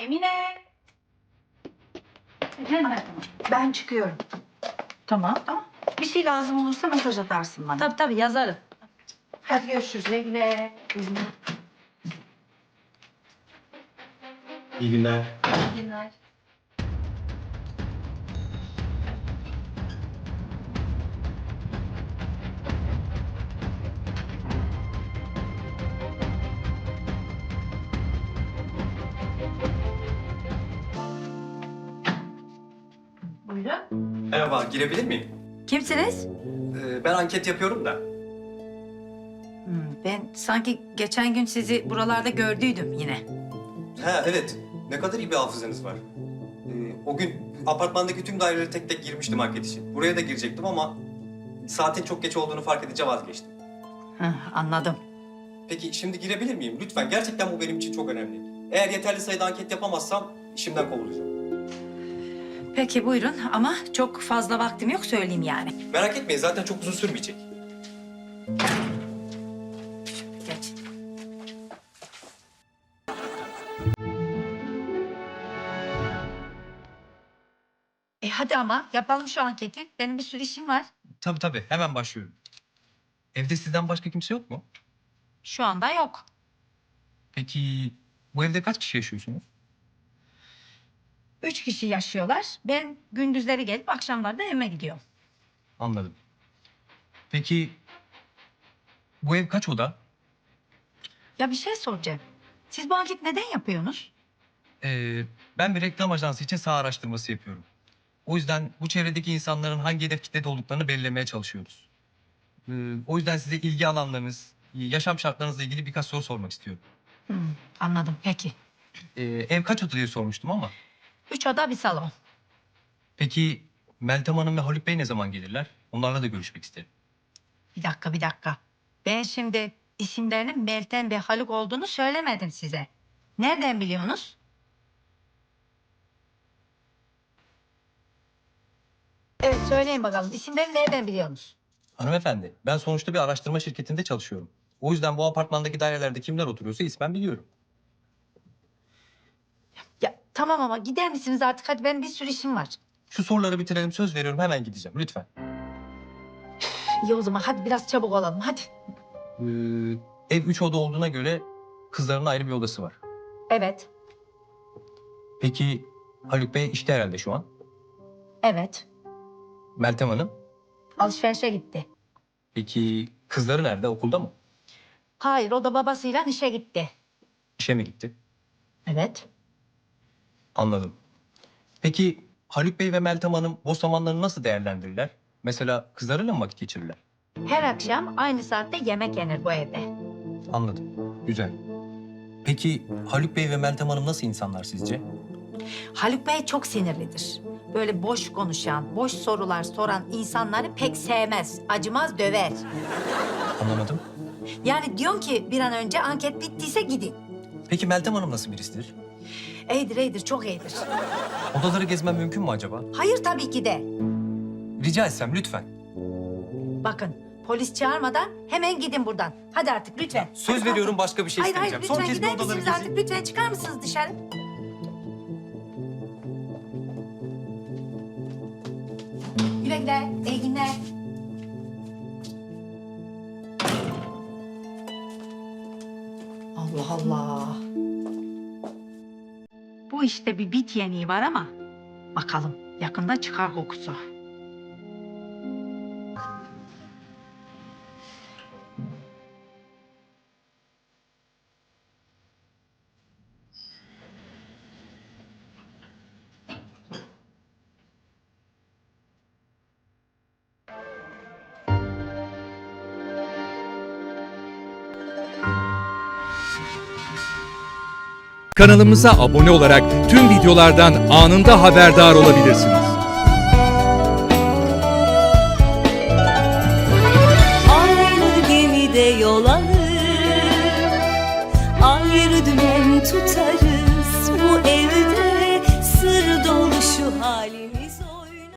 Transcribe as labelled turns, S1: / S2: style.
S1: Emine. Efendim?
S2: Ben çıkıyorum.
S1: Tamam.
S2: Bir şey lazım olursa mesaj atarsın bana.
S1: Tabii yazarım.
S2: Hadi görüşürüz. Güle güle.
S3: İyi günler.
S1: İyi günler. Buyurun.
S3: Merhaba, girebilir miyim?
S1: Kimsiniz?
S3: Ben anket yapıyorum da.
S1: Ben sanki geçen gün sizi buralarda gördüydüm yine.
S3: Ha evet, ne kadar iyi bir hafızanız var. O gün apartmandaki tüm daireleri tek tek girmiştim anket için. Buraya da girecektim ama saatin çok geç olduğunu fark edince vazgeçtim.
S1: Anladım.
S3: Peki şimdi girebilir miyim? Lütfen, gerçekten bu benim için çok önemli. Eğer yeterli sayıda anket yapamazsam işimden kovulacağım.
S1: Peki buyurun ama çok fazla vaktim yok söyleyeyim yani.
S3: Merak etmeyin, zaten çok uzun sürmeyecek.
S1: Geç. Hadi ama yapalım şu anketi. Benim bir sürü işim var.
S4: Tabii hemen başlıyorum. Evde sizden başka kimse yok mu?
S1: Şu anda yok.
S4: Peki bu evde kaç kişi yaşıyorsunuz?
S1: 3 kişi yaşıyorlar. Ben gündüzleri gelip akşamlarda evime gidiyorum.
S4: Anladım. Peki bu ev kaç oda?
S1: Ya bir şey soracağım. Siz bu anketi neden yapıyorsunuz?
S4: Ben bir reklam ajansı için saha araştırması yapıyorum. O yüzden bu çevredeki insanların hangi hedef kitlede olduklarını belirlemeye çalışıyoruz. O yüzden size ilgi alanlarınız, yaşam şartlarınızla ilgili birkaç soru sormak istiyorum.
S1: Anladım peki.
S4: Ev kaç oda diye sormuştum ama.
S1: 3 oda bir salon.
S4: Peki Meltem Hanım ve Haluk Bey ne zaman gelirler? Onlarla da görüşmek isterim.
S1: Bir dakika. Ben şimdi isimlerinin Meltem ve Haluk olduğunu söylemedim size. Nereden biliyorsunuz? Evet söyleyin bakalım. İsimleri nereden biliyorsunuz?
S4: Hanımefendi, ben sonuçta bir araştırma şirketinde çalışıyorum. O yüzden bu apartmandaki dairelerde kimler oturuyorsa ismen biliyorum.
S1: Ya tamam ama gider misiniz artık? Hadi benim bir sürü işim var.
S4: Şu soruları bitirelim, söz veriyorum hemen gideceğim lütfen.
S1: İyi o zaman hadi biraz çabuk olalım hadi.
S4: Ev 3 oda olduğuna göre kızların ayrı bir odası var.
S1: Evet.
S4: Peki Haluk Bey işte herhalde şu an.
S1: Evet.
S4: Meltem Hanım.
S1: Alışverişe gitti.
S4: Peki kızları nerede, okulda mı?
S1: Hayır o da babasıyla işe gitti.
S4: İşe mi gitti?
S1: Evet.
S4: Anladım. Peki Haluk Bey ve Meltem Hanım boş zamanlarını nasıl değerlendirirler? Mesela kızlarıyla mı vakit geçirirler?
S1: Her akşam aynı saatte yemek yenir bu evde.
S4: Anladım. Güzel. Peki Haluk Bey ve Meltem Hanım nasıl insanlar sizce?
S1: Haluk Bey çok sinirlidir. Böyle boş konuşan, boş sorular soran insanları pek sevmez. Acımaz, döver.
S4: Anlamadım.
S1: Yani diyorum ki bir an önce anket bittiyse gidin.
S4: Peki Meltem Hanım nasıl birisidir?
S1: İyidir, çok iyidir.
S4: Odaları gezmem mümkün mü acaba?
S1: Hayır tabii ki de.
S4: Rica etsem lütfen.
S1: Bakın polis çağırmadan hemen gidin buradan. Hadi artık lütfen.
S4: Söz
S1: Hadi
S4: veriyorum
S1: kalkın.
S4: başka bir şey
S1: Hayır
S4: istemeyeceğim.
S1: lütfen
S4: Son kez bir
S1: gider
S4: odaları
S1: misiniz
S4: gezeyim.
S1: artık? Lütfen çıkar mısınız dışarı? Güle güle, iyi günler. Allah Allah. Bu işte bir bit yeniği var ama bakalım yakında çıkar kokusu.
S5: Kanalımıza abone olarak tüm videolardan anında haberdar olabilirsiniz.